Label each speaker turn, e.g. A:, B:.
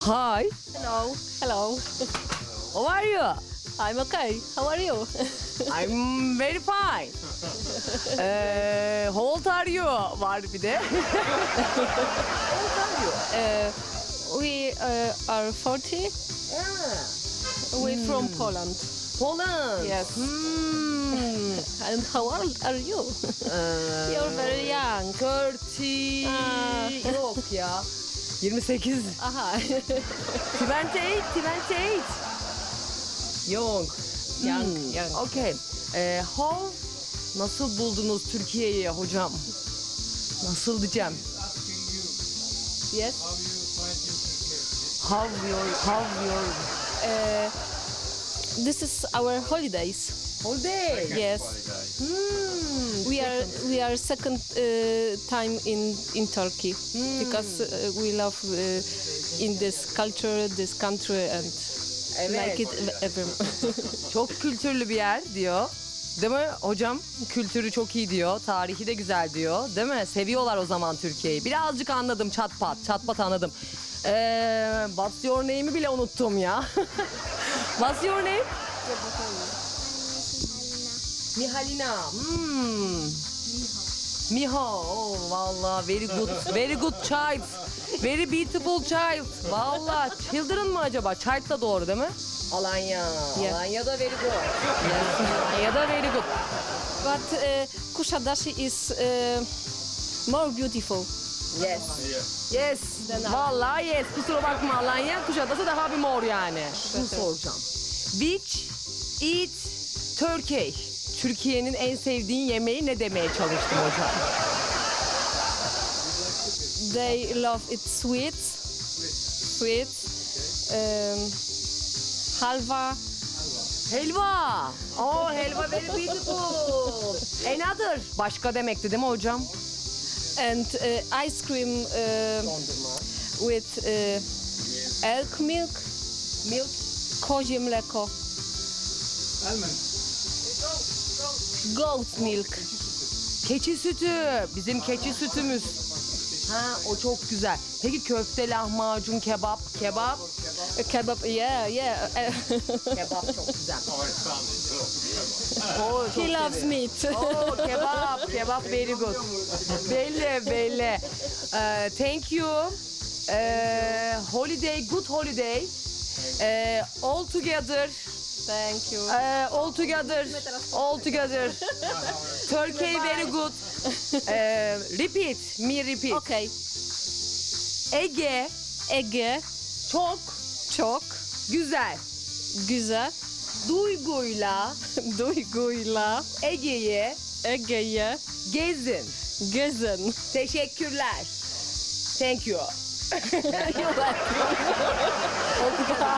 A: Hi,
B: Hello. Hello.
A: how are you?
B: I'm okay. How are you?
A: I'm very fine. How old are you? Var bir de. How old are you?
B: We are 40. We're from Poland.
A: Poland.
B: Yes. And how old are you?
A: Ee,
B: You're very young.
A: 30. Yok ya. 28.
B: Aha.
A: 28. 28. Young.
B: Young.
A: Okay. How nasıl buldunuz Türkiye'yi hocam? Nasıl diyeceğim?
B: Yes.
A: How your
B: This is our holidays.
A: holiday?
B: Yes. We are second time in Turkey because we love in this culture, this country, and
A: Evet.
B: like it ever.
A: Çok kültürlü bir yer diyor. Değil mi hocam? Kültürü çok iyi diyor. Tarihi de güzel diyor. Değil mi? Seviyorlar o zaman Türkiye'yi. Birazcık anladım çat pat. Çat pat anladım. What's your name'i bile unuttum ya. What's your name? Mihalina. Miho. Oh, valla very good. Very good child. Very beautiful child. Valla children mı acaba? Child da doğru değil mi? Alanya.
B: Yeah.
A: Alanya da very good. Yes. Alanya da very good.
B: But Kushadashi is more beautiful.
A: Yes. Yes. Valla yes. Kusura bakma Alanya. Kuşadası daha bir mor yani. Şunu soracağım. Which eat Turkey? Türkiye'nin en sevdiğin yemeği ne demeye çalıştım hocam?
B: They love it sweet, sweet, halva.
A: Helva. Oh helva very beautiful. Another. Başka demekti değil mi hocam?
B: And ice cream with elk milk,
A: Milk.
B: kozie mleko, goat milk.
A: Keçi sütü. Bizim keçi sütümüz. Ha o çok güzel. Peki köfte, lahmacun, kebap. Kebap.
B: Kebab, yeah.
A: Kebap çok güzel. Oo, çok
B: He loves
A: seviyorum.
B: meat.
A: Oh, kebap very good. Belli. Thank you. Holiday, good holiday. All together.
B: Thank you.
A: All together. Turkey very good. Repeat.
B: Okay.
A: Ege
B: Ege
A: çok
B: çok
A: güzel.
B: güzel.
A: Duyguyla
B: Duyguyla
A: Ege'yi
B: Ege'ye
A: gezin.
B: gezin.
A: Teşekkürler. Thank you.